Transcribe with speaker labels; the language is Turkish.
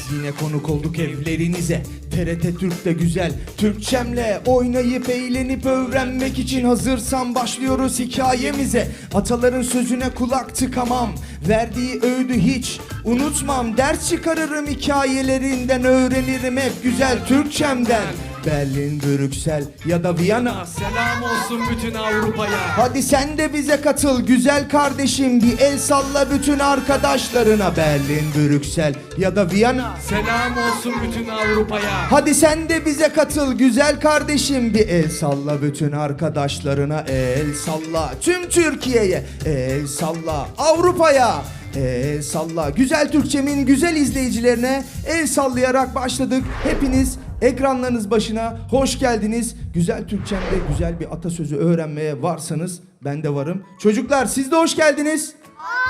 Speaker 1: yine konuk olduk evlerinize. TRT Türk'te güzel Türkçemle oynayıp eğlenip öğrenmek için hazırsan başlıyoruz hikayemize. Ataların sözüne kulak tıkamam, verdiği öğüdü hiç unutmam. Ders çıkarırım hikayelerinden, öğrenirim hep güzel Türkçemden. Berlin, Brüksel ya da Viyana,
Speaker 2: Selam olsun bütün Avrupa'ya.
Speaker 1: hadi sen de bize katıl güzel kardeşim, bir el salla bütün arkadaşlarına. Berlin, Brüksel ya da Viyana,
Speaker 2: Selam olsun bütün Avrupa'ya.
Speaker 1: hadi sen de bize katıl güzel kardeşim, bir el salla bütün arkadaşlarına. El salla tüm Türkiye'ye, el salla Avrupa'ya, el salla güzel Türkçemin güzel izleyicilerine. El sallayarak başladık. Hepiniz ekranlarınız başına hoş geldiniz. Güzel Türkçemde güzel bir atasözü öğrenmeye varsanız ben de varım. Çocuklar siz de hoş geldiniz.